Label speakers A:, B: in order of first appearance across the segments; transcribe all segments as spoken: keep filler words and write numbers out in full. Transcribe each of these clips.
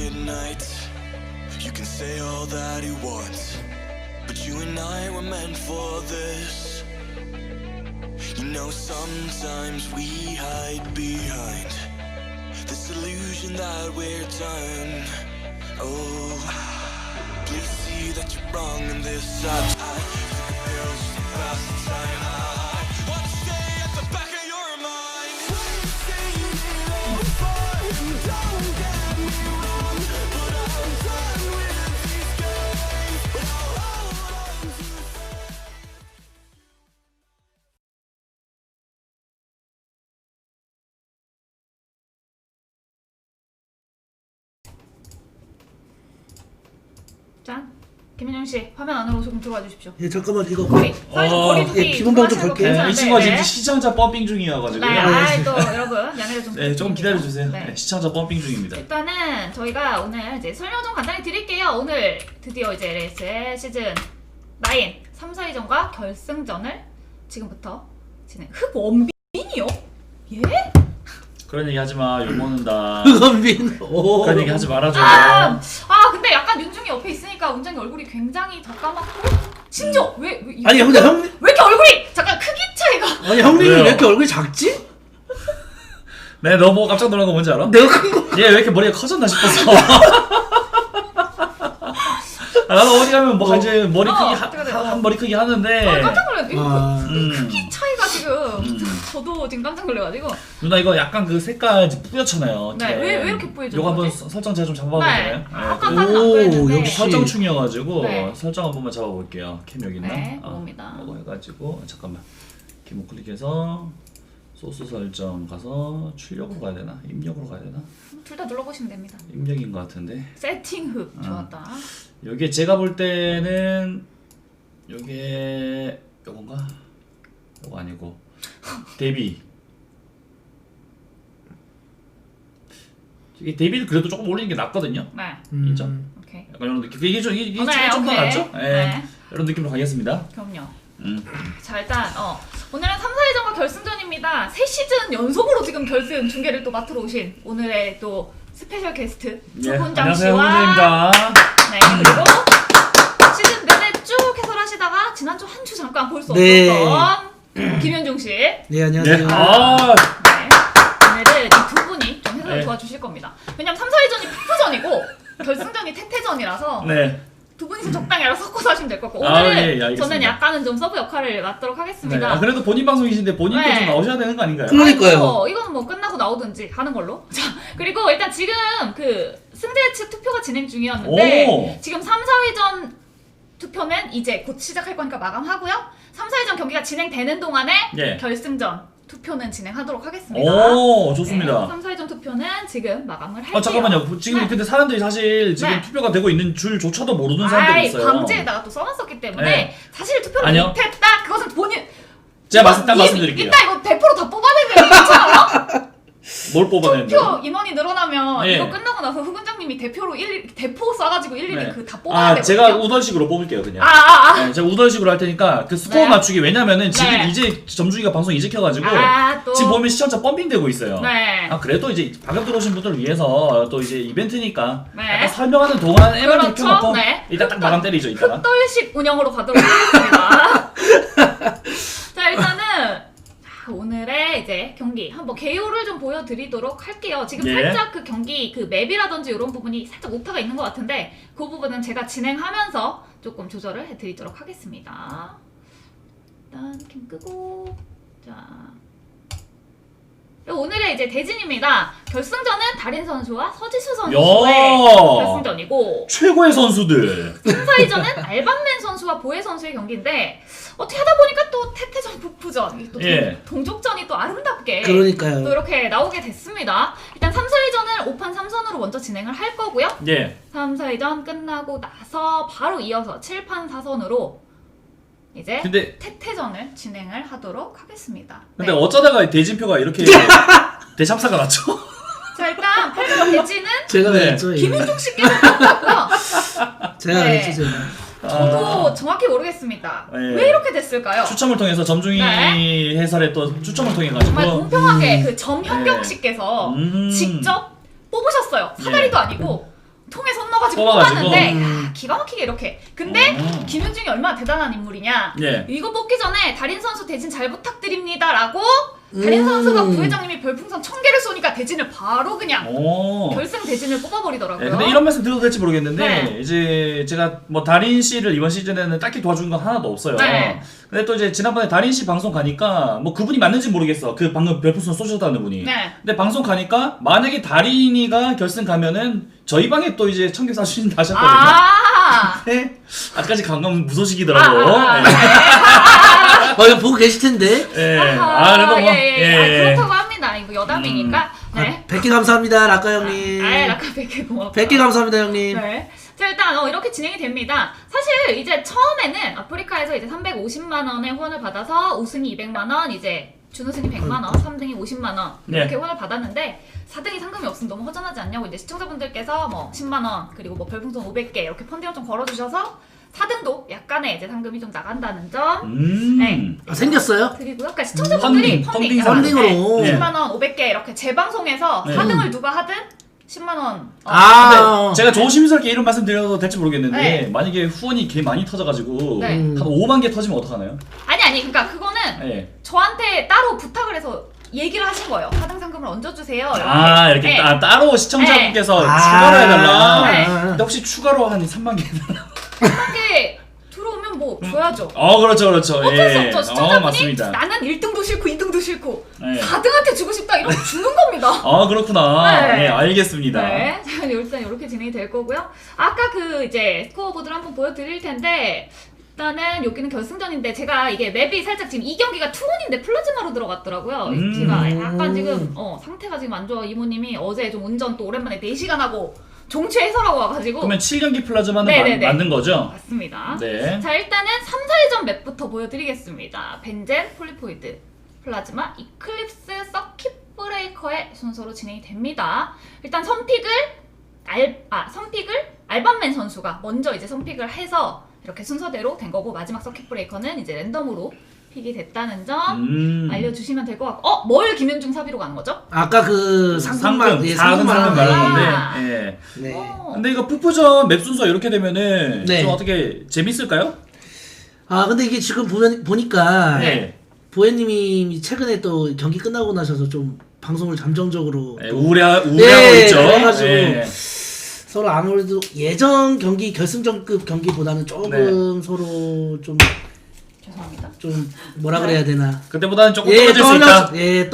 A: midnight. You can say all that you want, but you and I were meant for this. You know, sometimes we hide behind this illusion that we're done. Oh, please see that you're wrong in this. I, I took the pills to pass the time. I wanna stay at the back of your mind. We've seen it all before, and don't get me wrong, but I'm done with these games. But I'll hold on to
B: 짠. 김민영 씨 화면 안으로 조금 들어와 주십시오.
C: 예, 잠깐만 이거
B: 거리.
D: 어,
C: 예, 기본방 좀 걸게요.
D: 네, 이 친구가 지금 시청자 펌핑 중이어가지고.
B: 네, 아이 또 여러분 양해를 좀.
D: 네, 조금 기다려주세요.
B: 네.
D: 네, 시청자 펌핑 중입니다.
B: 일단은 저희가 오늘 이제 설명 좀 간단히 드릴게요. 오늘 드디어 이제 엘에스의 시즌 나인 삼, 사 위전과 결승전을 지금부터 진행. 흑원빈이요? 예?
D: 그런 얘기 하지 마. 욕 먹는다.
C: 흑원빈. 오.
D: 그런 얘기 하지 말아줘.
B: 아, 아 근데 약간 윤중이 옆에 있으니까 운장이 얼굴이 굉장히 더 까맣고 심지어 왜, 왜 이-
C: 아니 근데 형,
B: 왜 이렇게 얼굴이 잠깐 크기 차이가.
C: 아니 형님이
D: 왜요?
C: 왜 이렇게 얼굴이 작지?
D: 네, 너 보고 깜짝 놀란 거 뭔지 알아?
C: 내가 큰 거.
D: 얘 왜 이렇게 머리가 커졌나 싶었어. 아, 나도 어디 가면 뭐 이제 머리 크기
B: 어,
D: 하,
B: 어떡해,
D: 한,
B: 어.
D: 한 머리 크기 하는데.
B: 아, 깜짝 놀랐네. 이거
C: 아,
D: 음.
B: 크기 차이가 지금
D: 음.
B: 저도 지금 깜짝 놀래가지고.
D: 누나 이거 약간 그 색깔 이제 뿌옇잖아요.
B: 네, 왜- 왜 이렇게 뿌얘진
D: 요거 한번
B: 거지?
D: 서- 설정 제가 좀 잡아봐도
B: 네.
D: 돼요?
B: 아까까지는 안
C: 오,
B: 그랬는데.
C: 역시.
D: 설정충이어가지고
B: 네.
D: 설정 한 번만 잡아볼게요. 캠 여기 있나?
B: 네,
D: 아,
B: 그겁니다.
D: 이거 해가지고 잠깐만. 기본 클릭해서 소스 설정 가서 출력으로 가야 되나? 입력으로 가야 되나?
B: 둘 다 눌러보시면 됩니다.
D: 입력인 것 같은데.
B: 세팅 흑
D: 어.
B: 좋았다.
D: 여기에 제가 볼 때는 요게 요건가? 요거 아니고 데뷔. 이게 데뷔를 그래도 조금 올리는 게 낫거든요.
B: 네,
C: 음.
D: 인정.
B: 오케이.
D: 약간 이런 느낌. 이게 좀 이게
B: 어, 네,
D: 좀더
B: 오케이.
D: 낫죠? 예.
B: 네.
D: 이런 느낌으로 가겠습니다.
B: 그럼요.
D: 음.
B: 자 일단 어 오늘은 삼, 사 위전과 결승전입니다. 세 시즌 연속으로 지금 결승 중계를 또 맡으러 오신 오늘의 또 스페셜 게스트
D: 예.
B: 조훈장
D: 안녕하세요,
B: 씨와
D: 훈장입니다.
B: 네 그리고 시즌 내내 쭉 해설하시다가 지난주 한 주 잠깐 볼 수
C: 네.
B: 없었던 김현중 씨. 네.
C: 네, 안녕하세요.
D: 아,
B: 오늘은 이 두 분이 좀 해설을
D: 네.
B: 도와주실 겁니다. 왜냐면 삼, 사 위전이 푸푸전이고 결승전이 태태전이라서
D: 네.
B: 두 분이서 적당히 알아서 섞어서 하시면 될 것 같고
D: 아,
B: 오늘은
D: 예, 예, 알겠습니다.
B: 저는 약간은 좀 서브 역할을 맡도록
D: 네.
B: 하겠습니다.
D: 아, 그래도 본인 방송이신데 본인도
B: 네.
D: 좀 나오셔야 되는 거 아닌가요?
C: 그럼- 그러니까요.
B: 뭐, 이거는 뭐 끝나고 나오든지 하는 걸로. 자, 그리고 일단 지금 그 승자 측 투표가 진행 중이었는데
D: 오.
B: 지금 삼, 사 위전 투표는 이제 곧 시작할 거니까 마감하고요. 삼, 사 위전 경기가 진행되는 동안에
D: 예.
B: 결승전 투표는 진행하도록 하겠습니다.
D: 오, 좋습니다.
B: 네, 삼, 사 위전 투표는 지금 마감을 할게요.
D: 아 잠깐만요. 지금
B: 네.
D: 근데 사람들이 사실 지금
B: 네.
D: 투표가 되고 있는 줄조차도 모르는 사람들이
B: 아이,
D: 있어요.
B: 방지에다가 또 써놨었기 때문에
D: 네.
B: 사실 투표를
D: 아니요.
B: 못했다. 그것은 본인
D: 제가
B: 이거
D: 말씀 딱
B: 이-
D: 말씀드릴게요.
B: 이따 이거 대포로 다 뽑아내면 괜찮아요?
D: 뭘 뽑아내는데?
B: 투표 인원이 늘어나면
D: 예.
B: 이거 끝나고 나서 후군장님이 대표로 일일이 대포 쏴가지고 일일이
D: 네.
B: 그 다 뽑아야
D: 아,
B: 되거든요.
D: 제가 우던식으로 뽑을게요, 그냥.
B: 아, 아, 아.
D: 네, 제가 우던식으로 할 테니까 그 스코어
B: 네.
D: 맞추기. 왜냐면은 지금
B: 네.
D: 이제 점중이가 방송 이제 켜가지고
B: 아, 또.
D: 지금 보면 시청자 펌핑되고 있어요.
B: 네.
D: 아 그래도 이제 방금 들어오신 분들을 위해서 또 이제 이벤트니까
B: 네.
D: 약간 설명하는 동안에만
B: 그렇죠.
D: 켜놓고
B: 네.
D: 일단 딱 마감 때리죠, 이따가.
B: 흑돌식 운영으로 가도록 하겠습니다. 자, 일단은 자, 오늘의 이제 경기 한번 개요를 좀 보여드리도록 할게요. 지금
D: 예.
B: 살짝 그 경기 그 맵이라든지 이런 부분이 살짝 오타가 있는 것 같은데 그 부분은 제가 진행하면서 조금 조절을 해드리도록 하겠습니다. 일단 캠 끄고 자. 오늘의 이제 대진입니다. 결승전은 달인 선수와 서지수 선수의
D: 야.
B: 결승전이고
D: 최고의 선수들.
B: 삼, 사 위전은 알방맨 선수와 보혜 선수의 경기인데 어떻게 하다 보니까 또 태태전, 푸푸전, 또
D: 예.
B: 동족전이 또 아름답게
C: 그러니까요.
B: 또 이렇게 나오게 됐습니다. 일단 삼, 사 위전은 오 판 삼 선으로 먼저 진행을 할 거고요.
D: 예.
B: 삼, 사 위전 끝나고 나서 바로 이어서 칠 판 사 선으로 이제
D: 근데
B: 태태전을 진행을 하도록 하겠습니다.
D: 근데
B: 네.
D: 어쩌다가 대진표가 이렇게 대참사가 났죠?
B: 자 일단 팔 번 대진은
C: 제가
D: 네.
C: 했죠. 이거.
B: 김윤중 씨께서 뽑았고요.
C: 제가
B: 네.
C: 했죠, 제가.
B: 저도 정확히 모르겠습니다.
D: 네.
B: 왜 이렇게 됐을까요?
D: 추첨을 통해서 점중이
B: 네.
D: 해설에 또 추첨을 통해 가지고
B: 정말 공평하게
C: 음.
B: 그 점현경
D: 네.
B: 씨께서
D: 음.
B: 직접 뽑으셨어요. 사다리도
D: 예.
B: 아니고 통에 손 넣어가지고
D: 뽑아가지고.
B: 뽑았는데
C: 음.
B: 야, 기가 막히게 이렇게. 근데
D: 어.
B: 김윤중이 얼마나 대단한 인물이냐.
D: 예.
B: 이거 뽑기 전에 달인 선수 대진 잘 부탁드립니다라고 달인
C: 음.
B: 선수가 부회장님이 별풍선 천 개를 쏘니까 대진을 바로 그냥
D: 오.
B: 결승 대진을 뽑아버리더라고요.
D: 네, 근데 이런 말씀 드려도 될지 모르겠는데
B: 네.
D: 이제 제가 뭐 다린 씨를 이번 시즌에는 딱히 도와준 건 하나도 없어요.
B: 네.
D: 근데 또 이제 지난번에 다린 씨 방송 가니까 뭐 그분이 맞는지 모르겠어. 그 방금 별풍선 쏘셨다는 분이.
B: 네.
D: 근데 방송 가니까 만약에 다린이가 결승 가면은 저희 방에 또 이제 청계 사주신다 하셨거든요.
B: 아.
D: 네. 아직까지 감감 무소식이더라고.
B: 아, 아,
D: 네.
C: 어, 이거 보고 계실 텐데.
D: 예.
B: 아하,
D: 아, 그래도 뭐.
B: 예, 예.
D: 예.
B: 아, 그렇다고 합니다. 이거 여담이니까.
C: 아,
B: 네.
C: 백 개 감사합니다, 라카 형님.
B: 아, 라카 백 개 고맙다.
C: 백 개 감사합니다, 형님.
B: 네. 자, 일단 어, 이렇게 진행이 됩니다. 사실 이제 처음에는 아프리카에서 이제 삼백오십만 원의 후원을 받아서 우승이 이백만 원, 이제 준우승이 백만 원, 삼 등이 오십만 원
D: 네.
B: 이렇게 후원을 받았는데 사 등이 상금이 없으면 너무 허전하지 않냐고 이제 시청자분들께서 뭐 십만 원 그리고 뭐 별풍선 오백 개 이렇게 펀딩을 좀 걸어주셔서 사 등도 약간의 이제 상금이 좀 나간다는 점
D: 음.
B: 네.
C: 아, 생겼어요?
B: 드리고요. 그러니까 시청자분들이
D: 펀딩,
B: 펀딩,
D: 펀딩
B: 약간,
C: 펀딩으로.
B: 네, 십만 원, 오백 개 이렇게 재방송해서
D: 네.
B: 사 등을 누가 하든 십만 원. 어,
C: 아,
D: 제가 조심스럽게 이런 말씀 드려도 될지 모르겠는데
B: 네.
D: 만약에 후원이 개 많이 터져가지고
B: 네.
C: 음.
D: 한 오만 개 터지면 어떡하나요?
B: 아니 아니 그러니까 그거는
D: 예.
B: 저한테 따로 부탁을 해서 얘기를 하신 거예요. 사 등 상금을 얹어주세요. 이렇게.
D: 아 이렇게
B: 네.
D: 따, 따로 시청자분께서
C: 아.
D: 추가로 해달라.
B: 네.
D: 근데 혹시 추가로 한 삼만 개 해달라?
B: 한 개 들어오면 뭐 줘야죠.
D: 어 그렇죠 그렇죠.
B: 어쩔 수
D: 예.
B: 없죠.
D: 어
B: 시청자분이
D: 맞습니다.
B: 나는 일 등도 싫고 이 등도 싫고
D: 네.
B: 사 등한테 주고 싶다 이러면 주는 겁니다.
D: 아 그렇구나.
B: 네.
D: 네, 알겠습니다.
B: 네, 자, 일단 이렇게 진행이 될 거고요. 아까 그 이제 스코어보드를 한번 보여드릴 텐데 일단은 여기는 결승전인데 제가 이게 맵이 살짝 지금 이 경기가 투혼인데 플라즈마로 들어갔더라고요.
D: 음.
B: 제가 약간 지금 어, 상태가 지금 안 좋아. 이모님이 어제 좀 운전 또 오랜만에 네 시간 하고 종취 해설하고 와가지고
D: 그러면 칠 경기 플라즈마는
B: 네네네.
D: 마, 맞는 거죠?
B: 맞습니다.
D: 네.
B: 자 일단은 삼, 사위전 맵부터 보여드리겠습니다. 벤젠, 폴리포이드, 플라즈마, 이클립스, 서킷 브레이커의 순서로 진행이 됩니다. 일단 선픽을 알, 아 선픽을 알반맨 선수가 먼저 이제 선픽을 해서 이렇게 순서대로 된 거고 마지막 서킷 브레이커는 이제 랜덤으로 픽이 됐다는 점
D: 음.
B: 알려주시면 될 것 같고 어? 뭘 김윤중 사비로 가는 거죠?
C: 아까 그 상금만,
D: 상금
C: 예,
D: 사 등 상금
C: 상금만.
D: 말한
B: 아.
D: 건데. 예.
C: 네.
B: 어.
D: 근데 이거 푸푸전 맵 순서 이렇게 되면은
C: 네.
D: 좀 어떻게 재밌을까요?
C: 아, 근데 이게 지금 보면, 보니까,
D: 네.
C: 보혜님이 최근에 또 경기 끝나고 나셔서 좀 방송을 잠정적으로
D: 네, 우울해 우울하고
C: 네,
D: 있죠.
C: 그래가지고
D: 예.
C: 서로 아무래도 예전 경기 결승전급 경기보다는 조금
D: 네.
C: 서로 좀,
B: 죄송합니다.
C: 좀 뭐라 그래야 되나.
D: 그때보다는 조금
C: 예,
D: 떨어질 수 있다.
C: 예,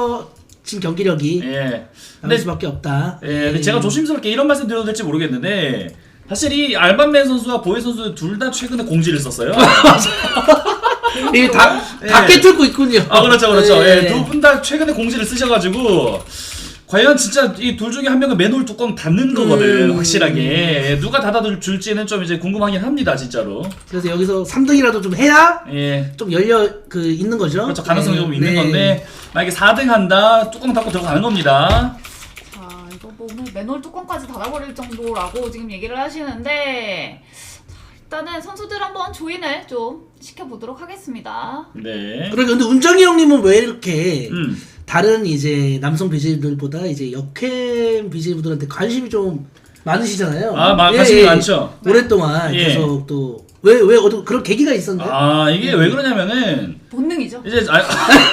C: 떨어진 경기력이
D: 예.
C: 나올
D: 근데
C: 수밖에 없다.
D: 예, 근데 제가 조심스럽게 이런 말씀 드려도 될지 모르겠는데 사실 이 알반맨 선수와 보헤 선수 둘 다 최근에 공지를 썼어요.
C: 예, 다,
D: 예.
C: 다 깨뚫고 있군요.
D: 아 그렇죠 그렇죠.
C: 예.
D: 예, 두 분 다 최근에 공지를 쓰셔가지고 과연 진짜 이 둘 중에 한 명은 맨홀 뚜껑 닫는 거거든
C: 음.
D: 확실하게. 예, 누가 닫아줄지는 좀 이제 궁금하긴 합니다 진짜로.
C: 그래서 여기서 삼 등이라도 좀 해야
D: 예.
C: 좀 열려 그 있는 거죠.
D: 그렇죠 가능성이
C: 네.
D: 좀 있는
C: 네.
D: 건데 만약에 사 등 한다 뚜껑 닫고 들어가는 겁니다.
B: 자 이거 뭐 오늘 맨홀 뚜껑까지 닫아버릴 정도라고 지금 얘기를 하시는데 자, 일단은 선수들 한번 조인을 좀 시켜보도록 하겠습니다.
D: 네.
C: 그러니까 근데 운정이 형님은 왜 이렇게
D: 음.
C: 다른 이제 남성 비제이들보다 이제 역캠 비제이분들한테 관심이 좀 많으시잖아요.
D: 아, 마,
C: 예,
D: 관심이
C: 예.
D: 많죠.
C: 오랫동안
D: 예.
C: 계속 또 왜 왜 어떤 그런 계기가 있었나요?
D: 아 이게 왜 그러냐면은
B: 본능이죠.
D: 이제 아,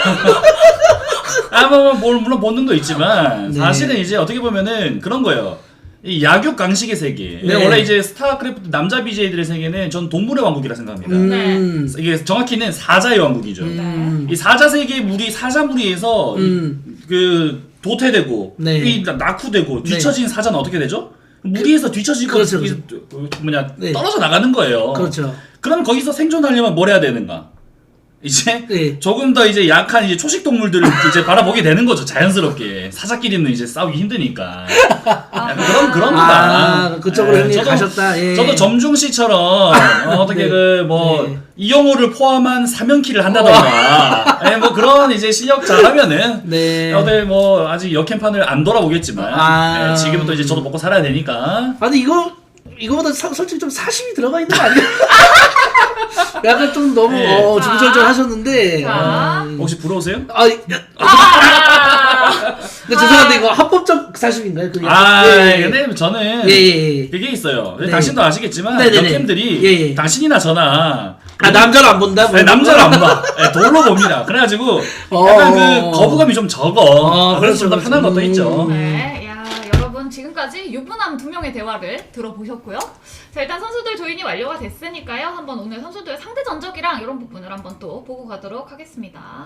D: 아 뭐, 뭐 물론 본능도 있지만
C: 네.
D: 사실은 이제 어떻게 보면은 그런 거예요. 이 야육 강식의 세계.
C: 네.
D: 원래 이제 스타크래프트 남자 비제이들의 세계는 전 동물의 왕국이라 생각합니다.
C: 음.
D: 이게 정확히는 사자의 왕국이죠.
C: 음.
D: 이 사자 세계 무리 사자 무리에서
C: 음.
D: 이, 그 도태되고
C: 네.
D: 이 낙후되고 뒤처진 사자는 어떻게 되죠? 무리에서 뒤처지고
C: 그렇죠,
D: 이, 그 뭐냐
C: 네.
D: 떨어져 나가는 거예요.
C: 그렇죠.
D: 그럼 거기서 생존하려면 뭘 해야 되는가? 이제
C: 네.
D: 조금 더 이제 약한 이제 초식 동물들을 이제 바라보게 되는 거죠. 자연스럽게 사자끼리는 이제 싸우기 힘드니까. 약간 그런 그런 거다.
C: 아, 그쪽으로
D: 예,
C: 형님
D: 저도-
C: 가셨다. 예.
D: 저도 점중 씨처럼 어, 어떻게
C: 네.
D: 그 뭐
C: 네.
D: 이영호를 포함한 사면키를 한다던가, 예, 뭐 그런 이제 실력 잘하면은
C: 네.
D: 어들 뭐 아직 역캠판을 안 돌아보겠지만
C: 아.
D: 예, 지금부터 이제 저도 먹고 살아야 되니까.
C: 아 근데 이거 이거보다 사, 솔직히 좀 사심이 들어가 있는 거 아니에요? 약간 좀 너무
D: 네.
C: 어, 중절절 하셨는데.
B: 자.
C: 아,
D: 혹시 부러우세요?
C: 아, 야,
B: 아,
C: 근데 죄송한데 이거 합법적 사실인가요? 그게?
D: 아,
C: 예, 예.
D: 근데 저는
C: 예, 예, 예.
D: 그게 있어요.
C: 네.
D: 당신도 아시겠지만
C: 네네네.
D: 역캠들이
C: 예, 예.
D: 당신이나 저나
C: 아 남자를 안 본다?
D: 네, 남자를 안 봐. 네, 돌로 봅니다. 그래가지고
C: 어.
D: 약간 그 거부감이 좀 적어.
C: 어,
D: 그래서 좀 더
C: 그렇죠,
D: 편한
C: 그렇죠.
D: 것도 있죠.
C: 음.
B: 네, 야 여러분 지금까지 유부남 두 명의 대화를 들어보셨고요. 자 일단 선수들 조인이 완료가 됐으니까요. 한번 오늘 선수들의 상대 전적이랑 이런 부분을 한번 또 보고 가도록 하겠습니다.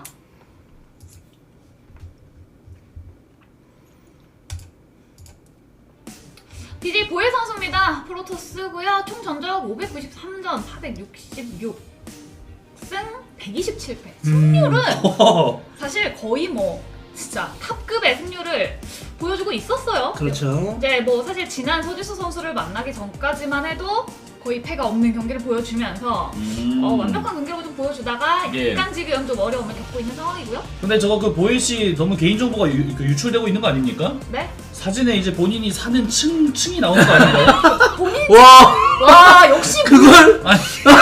B: 디제이 보혜 선수입니다. 프로토스고요. 총 전적 오백구십삼 전 사백육십육 승 백이십칠 패. 승률은 사실 거의 뭐 진짜 탑급의 승률을 보여주고 있었어요.
C: 그렇죠.
B: 이제 뭐 사실 지난 서지수 선수를 만나기 전까지만 해도 거의 패가 없는 경기를 보여주면서
D: 음.
B: 어, 완벽한 경기력을 좀 보여주다가
D: 예.
B: 약간 지금 좀 어려움을 겪고 있는 상황이고요.
D: 근데 저거 그 보혜 씨 너무 개인 정보가 유, 그 유출되고 있는 거 아닙니까?
B: 네.
D: 사진에 이제 본인이 사는 층 층이 나오는 거 아닌가요?
C: 와
B: 와 역시
C: 그걸
D: 아니.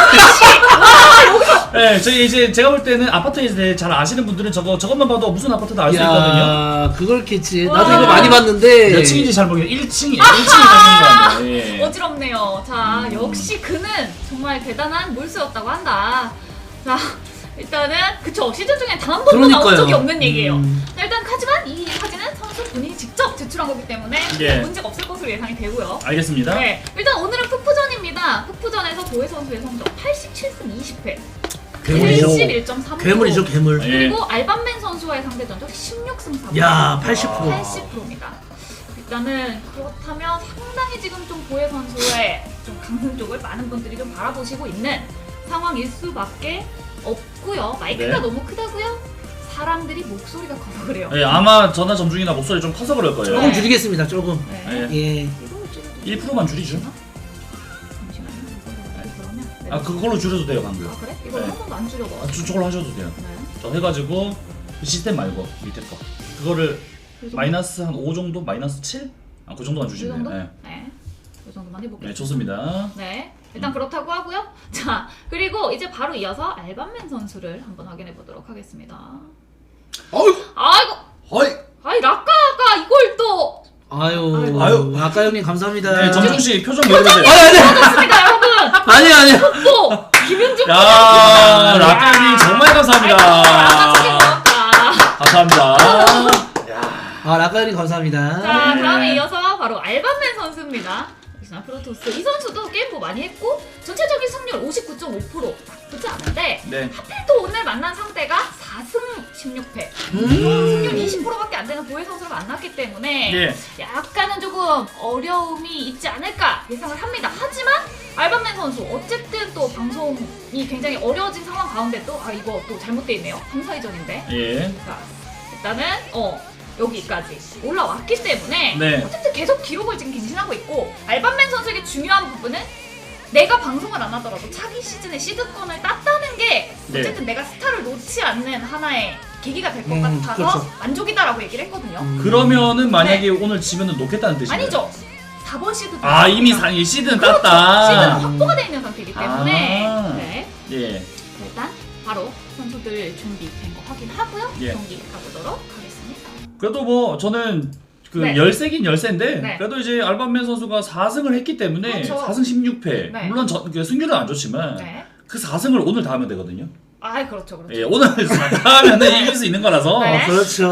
D: 네, 저희 이제 제가 볼 때는 아파트에 대해 잘 아시는 분들은 저거 저것만 봐도 무슨 아파트도 알 수 있거든요.
C: 야 그걸 캐치.
B: 와.
C: 나도 이거 많이 봤는데.
D: 몇 층인지 잘 모르겠어요. 일 층이에요. 일 층에 사는 거 아니에요. 예.
B: 어지럽네요. 자
D: 음.
B: 역시 그는 정말 대단한 몰수였다고 한다. 자 일단은 그쵸 시즌 중에 단 한 번도 나온
C: 그러니까요.
B: 적이 없는 얘기예요.
C: 음.
B: 자, 일단 하지만 이 사진은 선수 본인이 직접 제출한 거기 때문에
D: 예.
B: 문제가 없을 것으로 예상이 되고요.
D: 알겠습니다.
B: 네, 일단 오늘은 푸푸전입니다. 푸푸전에서 보혜 선수의 성적 팔십칠 승 이십 패,
C: 괴물이죠.
B: 칠십일 점 삼 퍼센트.
C: 괴물이죠 괴물.
D: 예.
B: 그리고 알반맨 선수와의 상대 전적 십육 승 삼 패.
C: 야 팔십 퍼센트.
B: 팔십 퍼센트입니다. 일단은 그렇다면 상당히 지금 좀 보혜 선수의 좀 강승 쪽을 많은 분들이 좀 바라보시고 있는 상황일 수밖에 없고요. 마이크가
D: 네.
B: 너무 크다고요? 사람들이 목소리가 커서 그래요.
D: 예, 아마 전화 점중이나 목소리 좀 커서 그럴 거예요.
C: 조금 줄이겠습니다 조금.
B: 네.
D: 예.
C: 예.
B: 이거 좀
D: 일 퍼센트만 줄이죠.
B: 잠시만요. 이거를 그러면 네.
D: 아 그걸로 줄여도 돼요 방금.
B: 아 그래? 이거
D: 네.
B: 한 번도 안 줄여봐.
D: 아, 저, 저걸로 하셔도 돼요.
B: 네.
D: 저 해가지고 그 시스템 말고 밑에 거 그거를
B: 그 정도?
D: 마이너스 한 오 정도? 마이너스 칠? 아 그 정도만
B: 이
D: 주시면
B: 정도?
D: 돼요.
B: 네. 이 정도만 해볼게요.
D: 네, 좋습니다.
B: 네. 일단 그렇다고 하고요. 자, 그리고 이제 바로 이어서 알반맨 선수를 한번 확인해 보도록 하겠습니다.
C: 어이.
B: 아이고,
C: 어이.
B: 아이 라카가 이걸 또
C: 아유.
D: 아유.
C: 아까 형님 감사합니다.
D: 네, 점중 씨 표정 왜 그러세요?
C: 아니 아니
B: 맞습니다, 여러분.
C: 아니 아니.
B: 또 김윤중
D: 야, 라카님 정말 감사합니다.
B: 감사합니다.
D: 감사합니다.
C: 아 라카 형님 감사합니다.
B: 자,
D: 네.
B: 다음에 이어서 바로 알반맨 선수입니다. 역시나 프로토스 이 선수도 게임도 많이 했고 전체적인 승률 오십구 점 오 퍼센트 나쁘지 않은데
D: 네.
B: 하필 또 오늘 만난 상대가 사 승 십육 패
C: 음.
B: 승률 이십 퍼센트밖에 안 되는 보혜 선수를 만났기 때문에
D: 예.
B: 약간은 조금 어려움이 있지 않을까 예상을 합니다. 하지만 알반맨 선수 어쨌든 또 방송이 굉장히 어려워진 상황 가운데 또 아 이거 또 잘못돼 있네요. 삼, 사위전인데
D: 예.
B: 자, 일단은 어 여기까지 올라왔기 때문에
D: 네.
B: 어쨌든 계속 기록을 지금 갱신하고 있고 알반맨 선수에게 중요한 부분은 내가 방송을 안 하더라도 차기 시즌에 시드권을 땄다는 게
D: 네.
B: 어쨌든 내가 스타를 놓지 않는 하나의 계기가 될 것
C: 음,
B: 같아서
C: 그렇죠.
B: 만족이다라고 얘기를 했거든요.
C: 음.
D: 그러면은 만약에 오늘 지면은 놓겠다는 뜻이에요?
B: 아니죠. 사 번 시드
D: 아 이미 사, 이 시드는
B: 그렇죠.
D: 땄다.
B: 시드는 확보가 되어 있는 상태이기 때문에
D: 아.
B: 네.
D: 예.
B: 일단 바로 선수들 준비된 거 확인하고요.
D: 예.
B: 경기 가보도록 하겠습니다.
D: 그래도 뭐 저는 그
B: 네.
D: 열세긴 열세인데
B: 네.
D: 그래도 이제 알반맨 선수가 사 승을 했기 때문에
B: 그렇죠.
D: 사 승 십육 패
B: 네.
D: 물론 저, 그 승률은 안 좋지만
B: 네.
D: 그 사 승을 오늘 다 하면 되거든요.
B: 아 그렇죠 그렇죠.
D: 예, 오늘 다 하면은 이길 수 있는 거라서
B: 네.
C: 그렇죠.